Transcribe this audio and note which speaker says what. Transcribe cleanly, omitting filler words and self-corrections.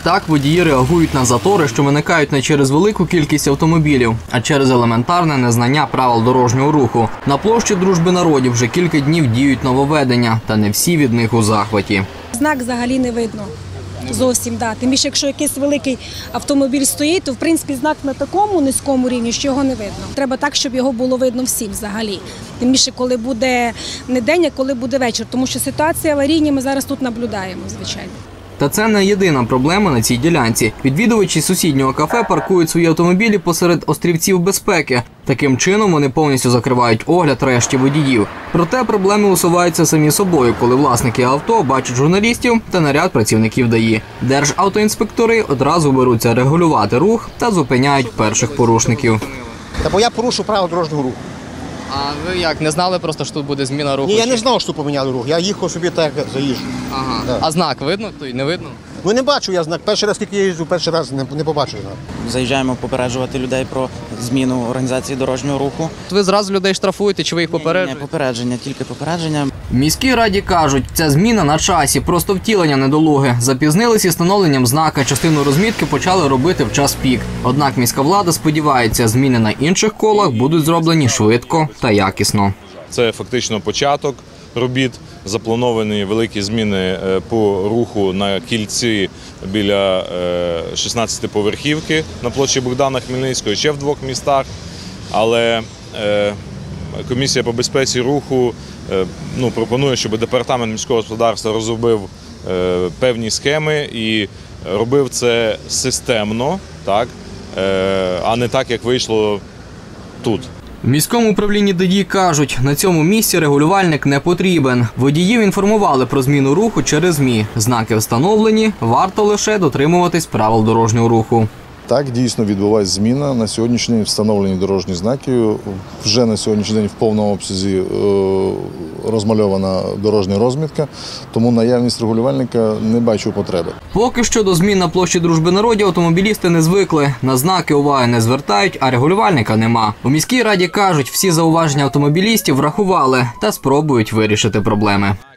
Speaker 1: Так водії реагують на затори, що виникають не через велику кількість автомобілів, а через елементарне незнання правил дорожнього руху. На площі Дружби народів вже кілька днів діють нововведення, та не всі від них у захваті.
Speaker 2: Знак взагалі не видно. Зовсім, да. Тим більше, якщо якийсь великий автомобіль стоїть, то в принципі знак на такому низькому рівні, що його не видно. Треба так, щоб його було видно всім взагалі. Тим більше, коли буде не день, а коли буде вечір. Тому що ситуація аварійні ми зараз тут наблюдаємо, звичайно.
Speaker 1: Та це не єдина проблема на цій ділянці. Відвідувачі сусіднього кафе паркують свої автомобілі посеред острівців безпеки. Таким чином вони повністю закривають огляд решті водіїв. Проте проблеми усуваються самі собою, коли власники авто бачать журналістів та наряд працівників ДАІ. Державтоінспектори одразу беруться регулювати рух та зупиняють перших порушників.
Speaker 3: Та бо я порушу правила дорожнього руху.
Speaker 4: А ви як, не знали просто, що тут буде зміна руху?
Speaker 3: Ні, я не знав, що тут поміняли рух. Я їхав собі так, як заїжджу.
Speaker 4: Ага.
Speaker 3: Так.
Speaker 4: А знак видно? Той не видно?
Speaker 3: Ну не бачу я знак. Перший раз, скільки я їжджу, перший раз не побачив знак.
Speaker 5: Заїжджаємо попереджувати людей про зміну організації дорожнього руху.
Speaker 4: Ви зразу людей штрафуєте, чи ви їх попереджуєте?
Speaker 5: Не попередження, тільки попередження.
Speaker 1: В міській раді кажуть, ця зміна на часі, просто втілення недолуги. Запізнились із встановленням знака, частину розмітки почали робити в час пік. Однак міська влада сподівається, зміни на інших колах будуть зроблені швидко та якісно.
Speaker 6: Це фактично початок робіт. Заплановані великі зміни по руху на кільці біля 16-поверхівки на площі Богдана Хмельницького, ще в 2 містах. Але комісія по безпеці руху пропонує, щоб департамент міського господарства розробив певні схеми і робив це системно, так, а не так, як вийшло тут.
Speaker 1: В міському управлінні ДАІ кажуть, на цьому місці регулювальник не потрібен. Водіїв інформували про зміну руху через ЗМІ. Знаки встановлені, варто лише дотримуватись правил дорожнього руху.
Speaker 7: Так, дійсно відбувається зміна. На сьогоднішній день встановлені дорожні знаки. Вже на сьогоднішній день в повному обсязі розмальована дорожня розмітка, тому наявність регулювальника не бачу потреби.
Speaker 1: Поки що до змін на площі Дружби народів автомобілісти не звикли. На знаки уваги не звертають, а регулювальника нема. У міській раді кажуть, всі зауваження автомобілістів врахували та спробують вирішити проблеми.